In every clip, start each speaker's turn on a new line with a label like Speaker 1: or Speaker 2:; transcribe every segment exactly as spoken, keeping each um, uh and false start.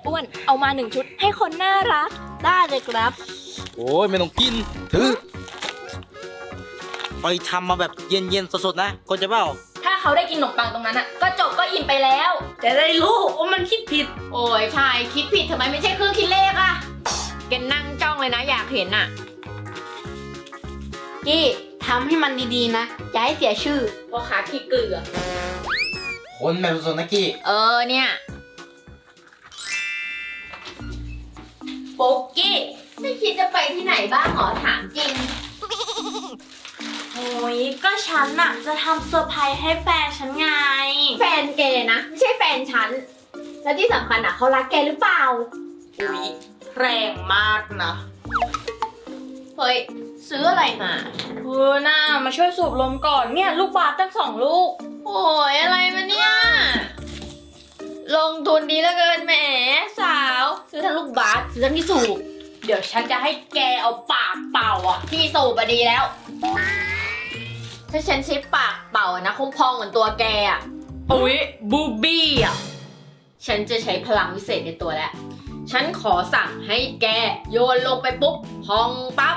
Speaker 1: อ้วนเอามาหนึ่งชุดให้คนน่ารักได้เลยครับ
Speaker 2: โอ้ยไม่ต้องกินถือไปทำมาแบบเย็นๆสดๆนะก็จะเปล่า
Speaker 1: ถ้าเขาได้กินขนมปังตรงนั้นอ่ะก็จบก็อิ่มไปแล้ว
Speaker 3: จะได้รู้ว่ามันคิดผิด
Speaker 4: โอ้ยใช่คิดผิดทำไมไม่ใช่เครื่องคิดเลขอะแกนั่งจ้องเลยนะอยากเห็นอะ
Speaker 3: กี้ทำให้มันดีๆนะอย่าให้เสียชื่อ
Speaker 4: พ่อค้าขี้เกลือ
Speaker 2: คนแบบสดๆนะกี้
Speaker 4: เออเนี่ย
Speaker 1: โป๊กกี้
Speaker 4: ไม่คิดจะไปที่ไหนบ้างหรอถามจริง
Speaker 1: โอ้ยก็ฉันน่ะจะทำเซอร์ไพรส์ให้แฟนฉันไง
Speaker 4: แฟนแกนะไม่ใช่แฟนฉันแล้วที่สำคัญอ่ะเขารักแกหรือเปล่า
Speaker 1: อุ๊ยแรงมากนะ
Speaker 4: เฮ้ยซื้ออะไรมา
Speaker 1: เออน่ามาช่วยสูบลมก่อนเนี่ยลูกบาสตั้งสองลูก
Speaker 4: โอ้ยอะไรมาเนี่ยลงทุนดีเหลือเกินแหมสาวซื้อทั้งลูกบาสซื้อทั้งที่สูบ
Speaker 1: เดี๋ยวฉันจะให้แกเอาปากเป่าอ่ะ
Speaker 4: ที่สูบอะดีแล้วถ้าฉันใช้ปากเป่านะคงพองเหมือนตัวแกอะ
Speaker 1: อุ๊ยบูบี้อ่ะ
Speaker 4: ฉันจะใช้พลังวิเศษในตัวแล้วฉันขอสั่งให้แกโยนลงไปปุ๊บพองปั๊บ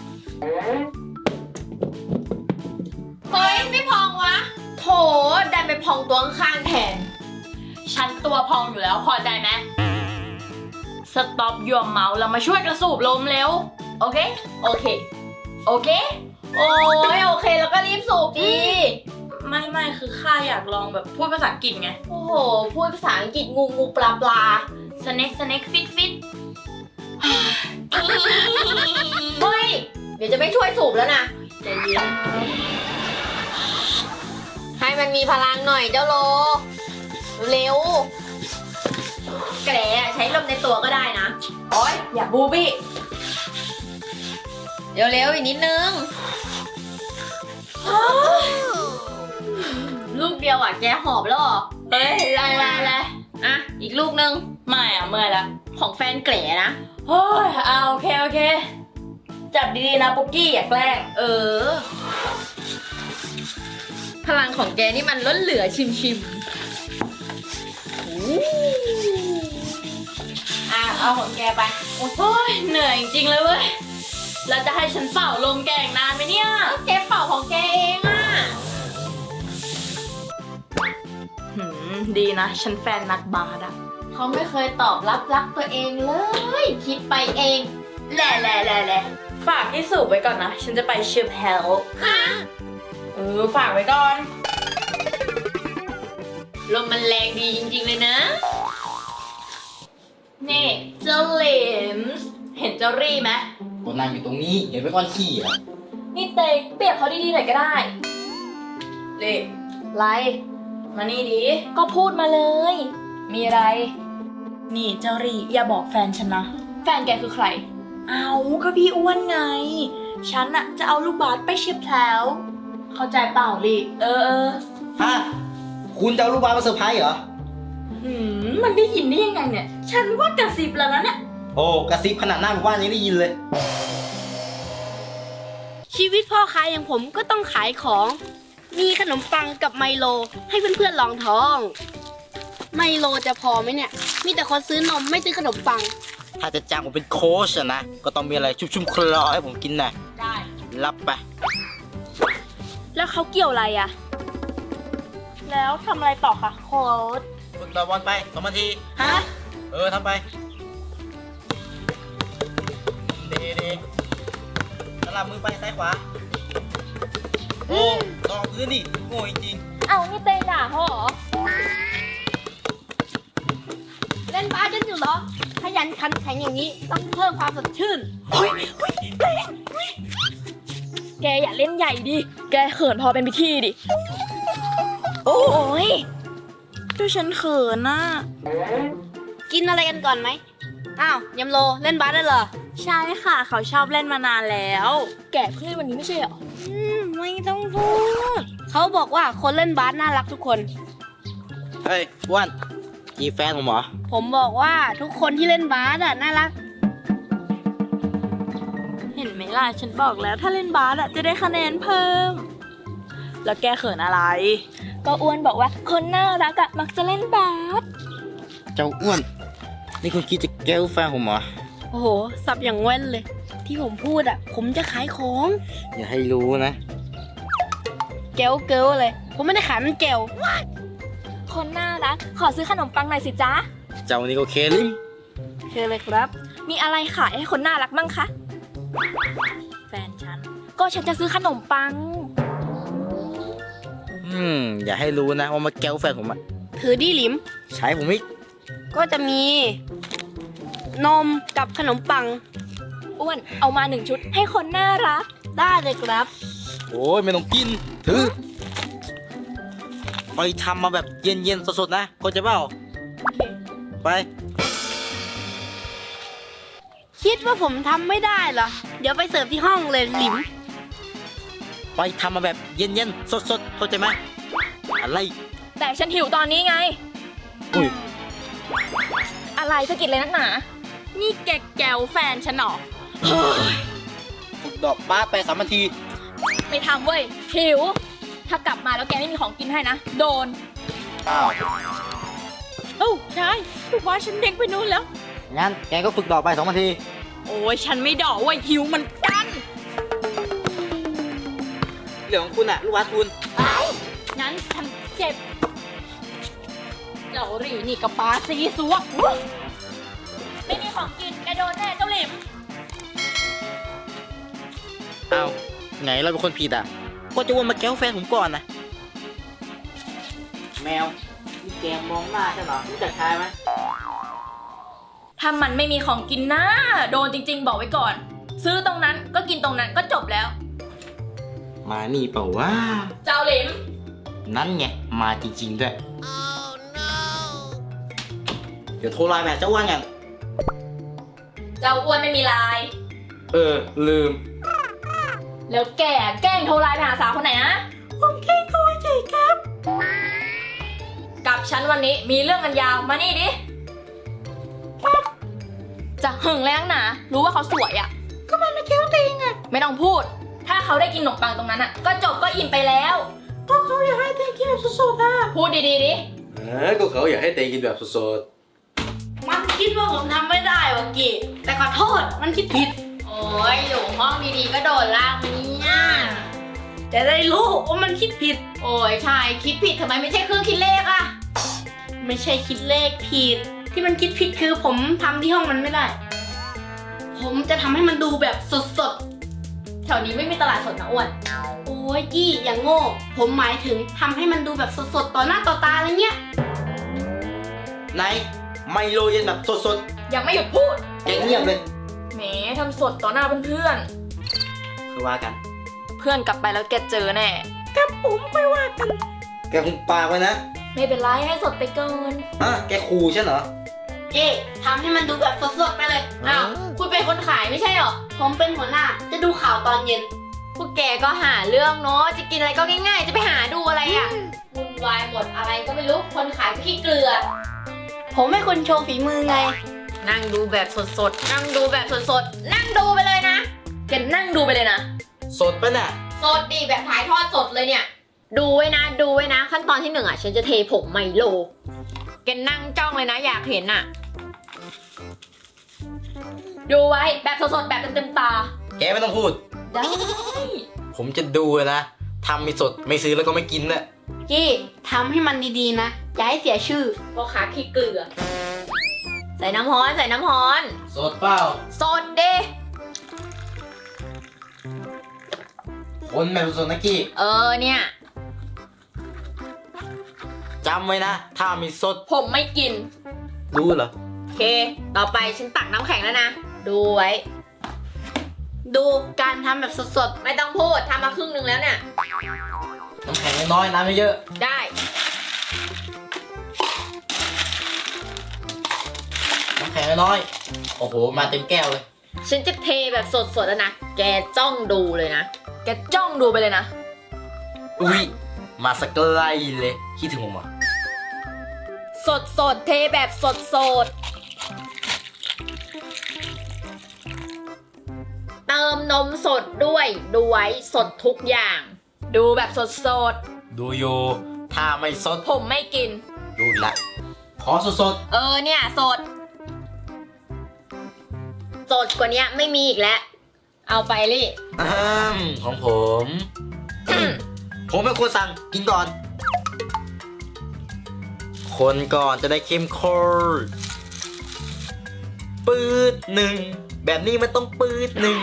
Speaker 4: เฮ้ยไม่พองวะโถดันไปพองตัวข้างแทน
Speaker 1: ฉันตัวพองอยู่แล้วพอใจไหมสต็อปยัวเมาส์แล้วมาช่วยกระสูบลมเร็วโอเคโอเคโอเค
Speaker 4: โอ้ยโอเคแล้วก็รีบสูบดี
Speaker 1: ไม่ไม่คือข้าอยากลองแบบพูดภาษาอังกฤษไง
Speaker 4: โอ้โหพูดภาษาอังกฤษงูงูปลาปลา
Speaker 1: สเน็กสเน็กฟิตฟิต
Speaker 4: เฮ้ยเดี๋ยวจะไม่ช่วยสูบแล้วนะ
Speaker 1: ใจเย็น
Speaker 4: ให้มันมีพลังหน่อยเจ้าโลเร็วแกใช้ลมในตัวก็ได้นะ
Speaker 1: โอ๊ยอย่าบูบี้
Speaker 4: เร็วๆอีกนิดนึงลูกเดียวอ่ะแกหอบแล้วเหรอ
Speaker 1: เฮ้ยไรไรไร
Speaker 4: อ่ะอีกลูกนึง
Speaker 1: ไม่อ่ะเมื่อยละ
Speaker 4: ของแฟนแกลนะ
Speaker 1: เฮ้ยเอาโอเคโอเคจับดีๆนะปุ๊กกี้อย่าแกล้ง
Speaker 4: เออพลังของแกนี่มันล้นเหลือชิมชิม
Speaker 1: อ่ะเอาของแกไปโอ้ยเหนื่อยจริงๆเลยเว้ยแล้วจะให้ฉันเป่าลมแกอีกนานไหมเนี่ย
Speaker 4: แกเป่าของแกเองอ่ะ
Speaker 1: หืมดีนะฉันแฟนนักบาสอะ
Speaker 4: เขาไม่เคยตอบรับรักตัวเองเลยคิดไปเอง
Speaker 1: แหล่แหล่แหล่แหล่ฝากที่สูบไว้ก่อนนะฉันจะไปเชียร์แพลเออฝากไว้ก่อน
Speaker 4: ลมมันแรงดีจริงๆเลยนะ
Speaker 1: นี่เจ้าเหลมเห็นเจ้ารี่ไหม
Speaker 2: ก็นั่งอยู่ตรงนี้เห็นไว้ก่อนขี้อ่ะ
Speaker 1: นี่เตยเปรียบเขาดีๆหน่อยก็ได้เล่ไรมานี่ดิก็พูดมาเลยมีอะไรนี่เจ้ารี่อย่าบอกแฟนฉันนะแฟนแกคือใครเอาก็พี่อ้วนไงฉันอะจะเอาลูกบาสไปเชียร์แพลเข้าใจเปล่าลี่เออเออ
Speaker 2: ฮะคุณจะเอาลูกบาสมาเซอร์ไพรส์เหรอ
Speaker 1: หืมมันได้ยินได้ยังไงเนี่ยฉันว่ากระซิบแล้วนะเนี่ย
Speaker 2: โอ้กระซิบขนาดหน้าหมู่บ้านยังได้ยินเลย
Speaker 3: ชีวิตพ่อค้าอย่างผมก็ต้องขายของมีขนมปังกับไมโลให้เพื่อนๆลองท้องไมโลจะพอไหมเนี่ยมีแต่คนซื้อนมไม่ซื้อขนมปัง
Speaker 2: ถ้าจะจ้างผมเป็นโค้ชนะก็ต้องมีอะไรชุ่มๆคลอให้ผมกินนะ
Speaker 1: ได้
Speaker 2: รับไป
Speaker 1: แล้วเขาเกี่ยวอะไรอะแล้วทำอะไรต่อคะโค้ช
Speaker 2: ฝึกต่อบอลไปสองนาที
Speaker 1: ฮะ
Speaker 2: เออทำไปดีดีสลับมือไปซ้ายขวาโอ้ลองพื้นดิโง่จริง
Speaker 1: เอ้านี่เตยด่าเขาเหรอ
Speaker 3: เล่นบาสกันอยู่เหรอขยันขันแข็งอย่างนี้ต้องเพิ่มความสดชื่น
Speaker 1: โอ้ยโอ้ยเตยแกอย่าเล่นใหญ่ดิแกเขินพอเป็นพิธีดิโอ้ยดูฉันเขินน่ะ
Speaker 3: กินอะไรกันก่อนไหมอ้าวยำโลเล่นบาสได้เหรอ
Speaker 1: ใช่ค่ะเขาชอบเล่นมานานแล้วแกเพิ่งเล่นวันนี้ไม่ใช่เหรอ
Speaker 3: อืมไม่ต้องพูดเขาบอกว่าคนเล่นบาสน่ารักทุกคน
Speaker 2: เฮ้ยอ้วนจีแฟนผมเหรอ
Speaker 3: ผมบอกว่าทุกคนที่เล่นบาสอะน่ารัก
Speaker 1: เห็นไหมล่ะฉันบอกแล้วถ้าเล่นบาสอะจะได้คะแนนเพิ่มแล้วแกเขินอะไรก็อ้วนบอกว่าคนน่ารักอะมักจะเล่นบาส
Speaker 2: เจ้าอ้วนนี่คุณคิดจะแก้วแฟนผมเหรอ
Speaker 3: โอ้โห สับอย่างแว่นเลย ที่ผมพูดอ่ะ ผมจะขายของ
Speaker 2: อย่าให้รู้นะ
Speaker 3: แก้วเกิลเลย ผมไม่ได้ขายมันแก้ว
Speaker 1: คนน่ารัก ขอซื้อขนมปังหน่อยสิจ๊ะ
Speaker 2: เจ้านี่ก็เคลิม
Speaker 3: เชิญเลยครับ
Speaker 1: มีอะไรขายให้คนน่ารักมั่งคะ แฟนฉัน ก็ฉันจะซื้อขนมปัง
Speaker 2: อืม อย่าให้รู้นะว่ามาแก้วแฟนผมอะ
Speaker 3: ถือดีหลิม
Speaker 2: ใช้ผมอีก
Speaker 3: ก็จะมี นมกับขนมปัง
Speaker 1: อ้วน เอามาหนึ่งชุดให้คนน่ารัก
Speaker 3: ได้เลยครับ
Speaker 2: โอ้ยไม่ต้องกิน ถือ ไปทำมาแบบเย็นๆสดๆนะเข้าใจเปล่าไป
Speaker 3: คิดว่าผมทำไม่ได้เหรอ เดี๋ยวไปเสิร์ฟที่ห้องเลยหลิม
Speaker 2: ไปทำมาแบบเย็นๆสดๆเข้าใจไหมอะไร
Speaker 1: แต่ฉันหิวตอนนี้ไง
Speaker 2: อุ้ย
Speaker 1: อะไรสะกิดเลยนักหนา นี่แกแกวแฟนฉันเหรอ
Speaker 2: ฝึกดอกบ้าไปสามนาที
Speaker 1: ไม่ทำเว้ย หิว ถ้ากลับมาแล้วแกไม่มีของกินให้นะ โดน
Speaker 2: อ้าว
Speaker 1: เอ้าใช่ลูกว่าฉันเด็กไปนู่นแล้ว
Speaker 2: งั้นแกก็ฝึกดอกไปสองนาที
Speaker 1: โอ้ยฉันไม่ดอกเว้ยหิวเหมันกัน
Speaker 2: เรื่องของคุณอะลูกวัดคุณ
Speaker 1: งั้นฉันเจ็บเจ้าหลีนี่กับปลาซีซัวไม่มีของกินแกโดนแน่เจ้าหลิม
Speaker 2: อ้าวไงเราเป็นคนผิดอ่ะ ก็จะวนมาแก้วแฟนผมก่อนนะ แมวนี่แกมองหน้าใช่เหรอรู้จักชายไหม
Speaker 1: ถ้ามันไม่มีของกินนะโดนจริงๆบอกไว้ก่อน ซื้อตรงนั้นก็กินตรงนั้นก็จบแล้ว
Speaker 2: มานี่เปล่าว่า
Speaker 1: เจ้าหลิม
Speaker 2: นั่นไง มาจริงๆด้วย เดี๋ยวโทรไลน์แม่เจ้าอ้วนกัน
Speaker 1: เจ้าอ้วนไม่มีไลน์
Speaker 2: เออ ลืม
Speaker 1: แล้วแกแกล้งโทรไลน์ไปหาสาวคนไหนนะผมแกล้งโทรเฉยครับ กับฉันวันนี้มีเรื่องกันยาวมานี่ดิจะหึงแรงหนารู้ว่าเขาสวยอ่ะก็มันมาเคี้ยวติงอ่ะไม่ต้องพูด ถ้าเขาได้กินขนมปังตรงนั้นอ่ะก็จบก็อิ่มไปแล้วก็เขาอยากให้เต้กินแบบสดๆอ่ะพูดดีๆดิ
Speaker 5: เออก็เขาอยากให้เตงกินแบบสด
Speaker 3: มันคิดว่าผมทำไม่ได้วะกี้แต่ขอโทษ มันคิดผิด
Speaker 4: โอ้ยอยู่ห้องดีๆก็โดนลากมาเนี่ย
Speaker 3: จะได้รู้ว่ามันคิดผิด
Speaker 4: โอ้ยใช่คิดผิดทำไมไม่ใช่เครื่องคิดเลขอะ
Speaker 3: ไม่ใช่คิดเลขผิด ที่มันคิดผิดคือผมทำที่ห้องมันไม่ได้ ผมจะทำให้มันดูแบบสด
Speaker 4: แถวนี้ไม่มีตลาดสดนะอ้วน
Speaker 3: ๆ โอ้ยกี้อย่างโง่ ผมหมายถึงทำให้มันดูแบบสดๆ ต่อหน้าต่อตาอะไรเงี้ย
Speaker 2: ไหน ไมโลเย็นแบบสด
Speaker 1: ยังไม่หยุดพูด
Speaker 2: ๆแกเงียบเลย
Speaker 1: แหมทำสดต่อหน้าเพื่อน
Speaker 2: คือว่ากัน
Speaker 1: ๆเพื่อนกลับไปแล้วแกเจอแน่
Speaker 2: แกคุมปากไว้นะ
Speaker 1: ไม่เป็นไรให้สดไปเกิน
Speaker 2: อ่ะแกขู่ฉันเหรอ
Speaker 3: เก้ทำให้มันดูแบบสดๆ ไปเลย
Speaker 4: อ้าว คุณเป็นคนขายไม่ใช่เหรอ
Speaker 3: ผมเป็นหัวหน้า จะดูข่าวตอนเย็น
Speaker 4: พวกแกก็หาเรื่องเนาะ จะกินอะไรก็ง่ายๆ จะไปหาดูอะไรอะวุ่นวายหมดอะไรก็ไม่รู้ คนขายก็ขี้เกลือ
Speaker 3: ผมให้คุณโชว์ฝีมือไง
Speaker 4: นั่งดูแบบสดๆ นั่งดูแบบสดๆ นั่งดูไปเลยนะ
Speaker 1: แกนั่งดูไปเลยนะ
Speaker 2: สดปะน่ะ
Speaker 4: สดดีแบบถ่ายทอดสดเลยเนี่ย ดูไว้นะ ดูไว้นะ ขั้นตอนที่หนึ่งอ่ะ ฉันจะเทผงไมโล แกนั่งจ้องเลยนะอยากเห็นอ่ะ
Speaker 1: ดูไว้แบบสดๆแบบเต็มๆตา
Speaker 2: แกไม่ต้องพูด
Speaker 1: ได้
Speaker 2: ผมจะดูนะทำไม่สดไม่ซื้อแล้วก็ไม่กินนะ
Speaker 3: กี้ทำให้มันดีๆ นะ อย่าให้เสียชื่อ
Speaker 4: พ่อค้าขี้เกลือ ใส่น้ำฮ้อนใส่น้ำฮ้อน
Speaker 2: สดเปล่า
Speaker 4: สดดิ
Speaker 2: คนแบบสดๆนะกี้
Speaker 4: เออเนี่ย
Speaker 2: จำไว้นะ ถ้ามีสด
Speaker 1: ผมไม่กิน
Speaker 2: รู้เหรอ
Speaker 4: โอเค ต่อไปฉันตักน้ำแข็งแล้วนะ ดูไว้
Speaker 3: ดูการทำแบบสด
Speaker 4: ไม่ต้องพูดทำมาครึ่งหนึ่งแล้วเนี่ย
Speaker 2: น้ำแข็งน้อยๆน้ำไม่เยอะ
Speaker 4: ได้
Speaker 2: น้ำแข็งน้อยๆโอ้โห มาเต็มแก้วเลย
Speaker 4: ฉันจะเทแบบสดๆแล้วนะ แกจ้องดูเลยนะ
Speaker 1: แกจ้องดูไปเลยนะ
Speaker 2: อุ้ย มาสักไกลเลย คิดถึงผมอ่ะ
Speaker 4: สดสดๆเทแบบสดสดๆเติมนมสดด้วยดูไว้สดทุกอย่าง
Speaker 1: ดูแบบสด
Speaker 2: ดูโยถ้าไม่สด
Speaker 1: ๆผมไม่กิน
Speaker 2: ดูอีกละขอสด
Speaker 4: เออเนี่ยสด
Speaker 2: ๆ
Speaker 3: สดๆกว่านี้ไม่มีอีกแล้ว
Speaker 4: เอาไปลี่
Speaker 2: อืมของผม ผมเป็นคนสั่งกินก่อน คนก่อนจะได้เข้มข้นปืดหนึ่งแบบนี้มันต้องปืดหนึ่ง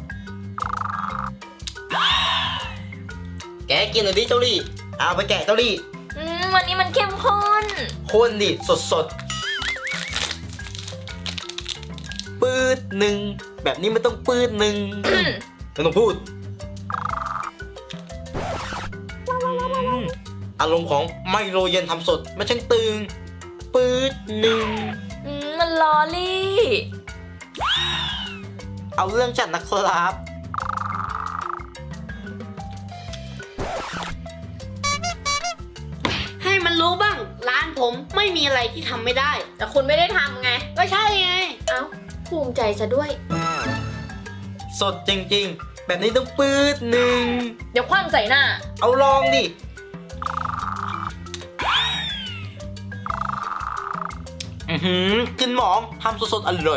Speaker 2: แกกินหน่อยดิเจ้าลี่เอาไปแกะเจ้าลี่
Speaker 1: อืมวันนี้มันเข้มข้น
Speaker 2: คนดิสดสดปืดหนึ่งแบบนี้มันต้องปืดหนึ่งไม่ต้องพูดอืมอารมณ์ของไมโลเย็นทำสดไม่ช่างตึงปืดหนึ่ง
Speaker 1: อืมมันลอลี่
Speaker 2: เอาเรื่องจัดนะครับ
Speaker 3: ให้มันรู้บ้าง ร้านผมไม่มีอะไรที่ทำไม่ได้
Speaker 4: แต่คุณไม่ได้ทำไง
Speaker 3: ก็ใช่ไง
Speaker 4: เอ้า ภูมิใจซะด้วย
Speaker 2: สดจริงๆ แบบนี้ต้องปืดหนึ่ง
Speaker 1: เดี๋ยวคว่ำใส่หน้า
Speaker 2: เอาลองดิอือหือกินหมองทำสดๆอร่อย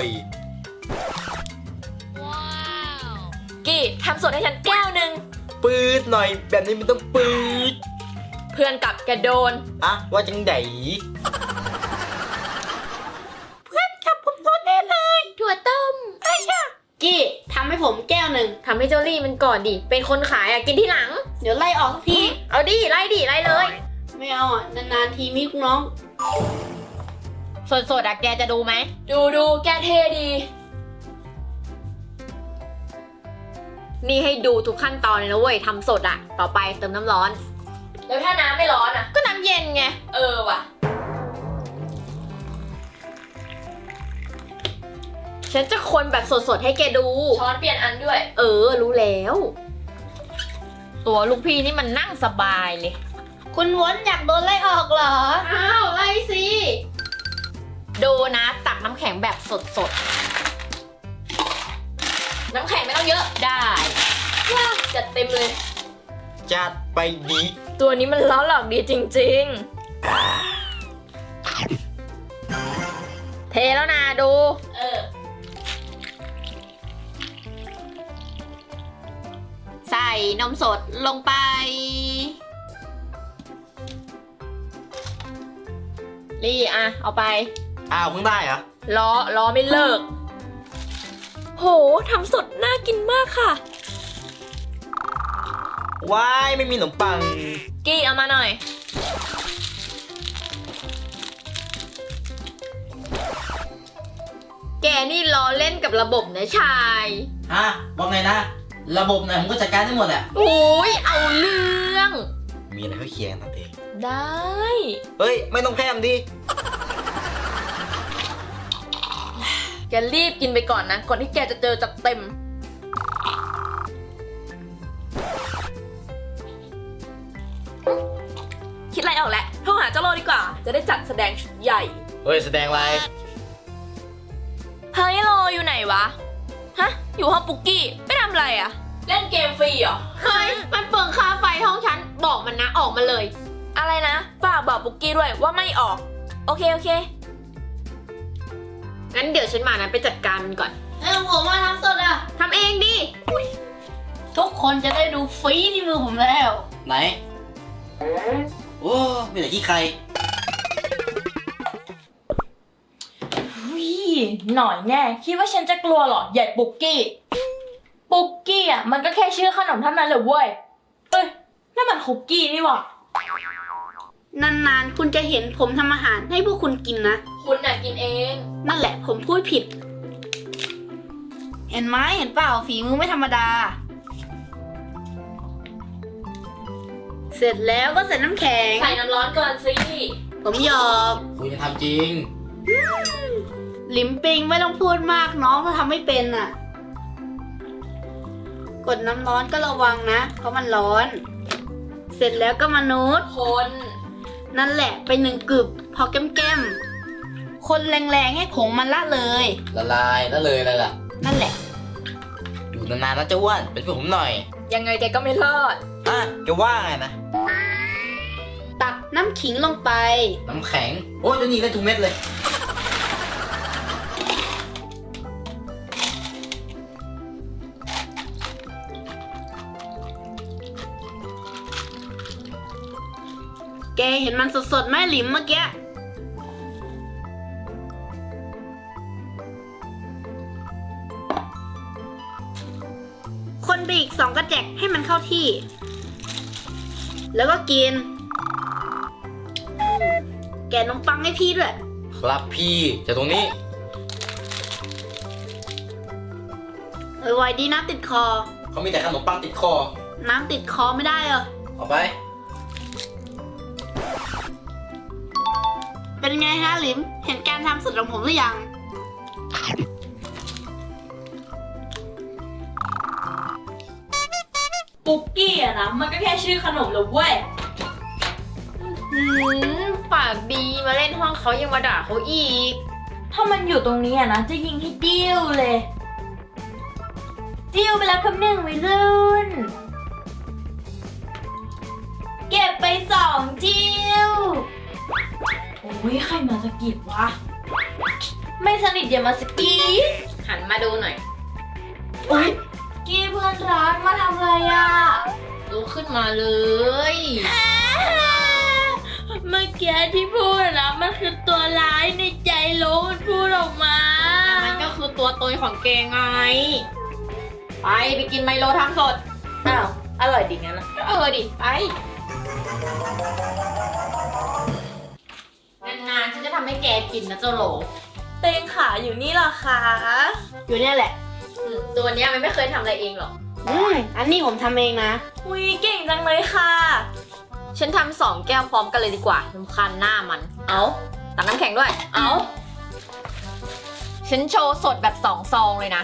Speaker 1: กี่ทำสดให้ฉันแก้วหนึ่ง
Speaker 2: ปืดหน่อยแบบนี้มันต้องปืด
Speaker 1: เพื่อนกลับแกโดน
Speaker 2: อะว่าจังได
Speaker 4: ถั่วต้ม
Speaker 3: กี้ทำให้ผมแก้วหนึ่ง
Speaker 4: ทำให้เจ้าลี่มันก่อนดิ เป็นคนขายอ่ะ กินที่หลัง
Speaker 3: เดี๋ยวไล่ออกสักที
Speaker 4: เอาดิ ไล่ดิ ไล่เลย
Speaker 3: ไม่เอาอ่ะ นานๆทีมีลูกน้อง
Speaker 4: สดๆอ่ะแกจะดูไหม
Speaker 1: ดูดูแกเท่ดี
Speaker 4: นี่ให้ดูทุกขั้นตอนเลยนะเว้ยทำสดอ่ะ ต่อไปเติมน้ำร้อน
Speaker 1: แล้วถ้าน้ำไม่ร้อนอ่ะ
Speaker 4: ก็น้ำเย็นไง
Speaker 1: เออว่ะ
Speaker 4: ฉันจะคนแบบสดๆให้แกดู
Speaker 1: ช้อนเปลี่ยนอันด้วย
Speaker 4: เออ รู้แล้ว ตัวลูกพี่นี่มันนั่งสบายเลย
Speaker 3: คุณวอนอยากโดนไล่ออกเหรอ
Speaker 4: อ้าว ไล่สิ ดูนะ ตักน้ำแข็งแบบสด
Speaker 1: น้ำแข็งไม่ต้องเยอะ
Speaker 4: ๆ ได้
Speaker 1: จัดเต็มเลย
Speaker 2: จัดไปดี
Speaker 1: ตัวนี้มันล้อหลอกดีจริง
Speaker 4: เทแล้วนะดู
Speaker 1: ๆ เออ
Speaker 4: ใส่นมสดลงไป ลี่อ่ะ เอาไป
Speaker 2: อ้าวเพิ่งได้เหรอ
Speaker 1: ล้อล้อไม่เลิก โหทำสดน่ากินมากค่ะ
Speaker 2: ว้ายไม่มีขนมปัง
Speaker 1: กี้เอามาหน่อย
Speaker 4: แกนี่ล้อเล่นกับระบบนะชาย
Speaker 2: ฮะว่าไงนะ ระบบไหนผมก็จัดการได้หมดแหละ
Speaker 4: โอ้ยเอาเรื่อง
Speaker 2: มีอะไรก็เคลียร์กันทำเอง
Speaker 1: ได้
Speaker 2: เฮ้ย ไม่ต้องแพมดิ
Speaker 1: แกรีบกินไปก่อนนะ ก่อนที่แกจะเจอจัดเต็ม คิดอะไรออกแล้วโทรหาเจ้าโลดีกว่า จะได้จัดแสดงชุดใหญ่
Speaker 2: เฮ้ย แสดงอะไร
Speaker 1: เฮ้ยโลอยู่ไหนวะ ฮะ อยู่ห้องปุกกี้ไปทำอะไรอะเล่นเกมฟรีเหรอ
Speaker 4: เฮ้ย มันเปลืองค่าไฟห้องฉัน บอกมันนะออกมาเลย
Speaker 1: อะไรนะ ฝากบอกปุกกี้ด้วยว่าไม่ออก โอเค โอเค
Speaker 4: งั้นเดี๋ยวฉันมานะไปจัดการมันก่อน
Speaker 3: เอ้ยผมมาทำสดอ่ะ
Speaker 4: ทำเองดิ
Speaker 3: ทุกคนจะได้ดูฟรีที่มือผมแล้ว
Speaker 2: ไหน โอ้ไม่ได้ขี้ใคร
Speaker 1: วิหน่อยแน่ คิดว่าฉันจะกลัวเหรอ ใหญ่ปุกกี้ ปุกกี้อ่ะ มันก็แค่ชื่อขนมเท่านั้นเลยเว้ย เอ้ยนั่นมันคุกกี้นี่หว่ะ
Speaker 3: นานๆ คุณจะเห็นผมทำอาหารให้พวกคุณกินนะ
Speaker 1: คุณน่ะกินเอง
Speaker 3: นั่นแหละผมพูดผิด เห็นไหมเห็นเปล่าฝีมือไม่ธรรมดา เสร็จแล้วก็ใส่น้ำแข็ง
Speaker 1: ใส่น้ำร้อนก่อนสิ
Speaker 3: ผมหยอก
Speaker 2: คุณจะทำจริง
Speaker 3: ลิมปิงไม่ต้องพูดมากน้องถ้าทำไม่เป็นอ่ะ กดน้ำร้อนก็ระวังนะ เพราะมันร้อน เสร็จแล้วก็มานูด
Speaker 1: คน
Speaker 3: นั่นแหละไปหนึ่งกึบพอแก้มๆ คนแรงๆให้ผงมันละเลย
Speaker 2: ละลายแล้วเลยอะไรล่ะ
Speaker 3: นั่นแหละ
Speaker 2: อยู่นานๆนะเจ้าอ้วนเป็นเพื่อนผมหน่อย
Speaker 1: ยังไงแกก็ไม่รอด
Speaker 2: อ่ะจะว่าไงนะ
Speaker 3: ตักน้ำขิงลงไป
Speaker 2: น้ำแข็ง โอ้ยเจะนี่ได้ทุกเม็ดเลย
Speaker 3: แกเห็นมันสดๆไหมหลิมเมื่อกี้ คนไปอีกสองกระแจกให้มันเข้าที่ แล้วก็กินอืมแกะขนมปังให้พี่ด้วย
Speaker 2: ครับพี่จากตรงนี้
Speaker 3: เออไว้ดีน้ำติดคอ
Speaker 2: เขามีแต่ขนมปังติดคอ
Speaker 3: น้ำติดคอไม่ได้เหรอ
Speaker 2: เอาไป
Speaker 3: เป็นไงฮะหลิม เห็นการทำสุดของผมหรือยัง
Speaker 1: ปุกกี้อะนะมันก็แค่ชื่อขนมเลยเว้ย
Speaker 4: หืมปากดีมาเล่นห้องเขายังมาด่าเขาอีก
Speaker 1: ถ้ามันอยู่ตรงนี้อะนะจะยิงให้ดิ้วเลย ดิ้วไปแล้วคำหนึ่งวัยรุ่น เก็บไปสองจิ้ว โอ้ยใครมาสะกิดวะ ไม่สนิทอย่ามาสะกิด
Speaker 4: หันมาดูหน่อย
Speaker 1: อุ้ยกี้เพื่อนรักมาทำอะไรอะ
Speaker 4: ลุกขึ้นมาเลย
Speaker 1: เมื่อกี้ที่พูดอะนะมันคือตัวร้ายในใจโลมันพูดออกมา
Speaker 4: มันก็คือตัวตนของเกงไง ไปไปกินไมโลทำสด
Speaker 1: อ้าว อร่อยดีงั้นนะ
Speaker 4: ก็เออดิ ไป นานๆฉันจะทำให้แกกินนะเจ้าโหล
Speaker 1: เตงขาอยู่นี่เหรอคะ
Speaker 3: อยู่เนี่ยแหละ
Speaker 4: อืมตัวเนี้ยมันไม่เคยทำอะไรเองหรอก
Speaker 3: อืมอันนี้ผมทำเองนะ
Speaker 1: อุ้ยเก่งจังเลยค่ะ
Speaker 4: ฉันทำสองแก้วพร้อมกันเลยดีกว่ารำคาญหน้ามัน เอาตักน้ำแข็งด้วย
Speaker 1: เอา
Speaker 4: ฉันโชว์สดแบบสองซองเลยนะ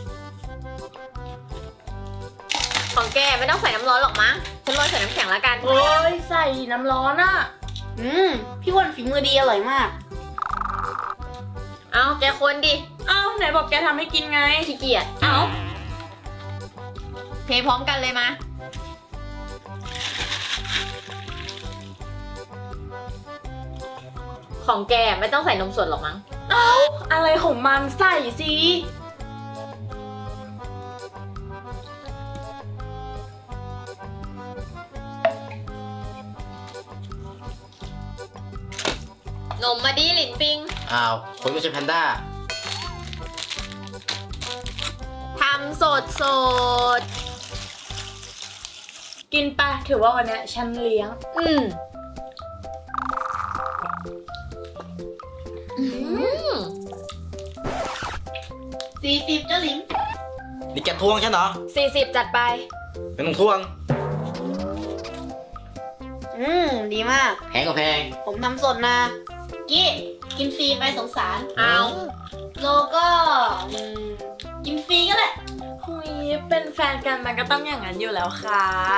Speaker 4: ของแกไม่ต้องใส่น้ำร้อนหรอกมั้ง ฉันโรยใส่น้ำแข็งแล้วกัน
Speaker 1: โอ้ยใส่น้ำร้อนอะ
Speaker 3: อืม พี่อ้วันฝีมือดีอร่อยมาก
Speaker 4: เอาแกคนดิ
Speaker 1: เอ้าไหนบอกแกทำให้กินไง
Speaker 4: ขี้เกียจ
Speaker 1: เอา
Speaker 4: เทพร้อมกันเลยมา ของแกไม่ต้องใส่นมสดหรอกมั้ง
Speaker 1: เอาอะไรของมันใส่สิ
Speaker 4: นมมาดิหลินปิง
Speaker 2: อ้าวคนไม่ใช่แพนด้า
Speaker 4: ทำสดสด
Speaker 1: กินไปะถือว่าวันเนี้ยฉันเลี้ยง
Speaker 4: อืมอืม
Speaker 3: สี่สิบเจ้าหลิม
Speaker 2: นี่แกทวงฉันเหรอ
Speaker 4: สี่สิบจัดไป
Speaker 2: ไม่ต้องทวง
Speaker 3: อืม ดีมาก
Speaker 2: แพงก็แพง
Speaker 3: ผมทำสดนะ กี้ กินฟรีไปสงสาร
Speaker 4: เอา
Speaker 3: โลก็อืมกินฟรีก็แหละ
Speaker 1: หุยเป็นแฟนกันมันก็ต้องอย่างนั้นอยู่แล้วค่ะ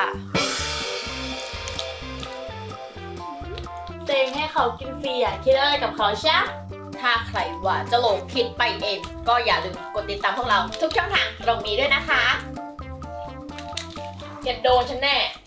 Speaker 1: เตงให้เขากินฟรีอ่ะคิดอะไรกับเขาใช่
Speaker 4: ถ้าใครว่าจะหลงคิดไปเอง ก็อย่าลืมกดติดตามพวกเรา ทุกช่องทางตรงนี้ด้วยนะคะอย่าโดนฉันแน่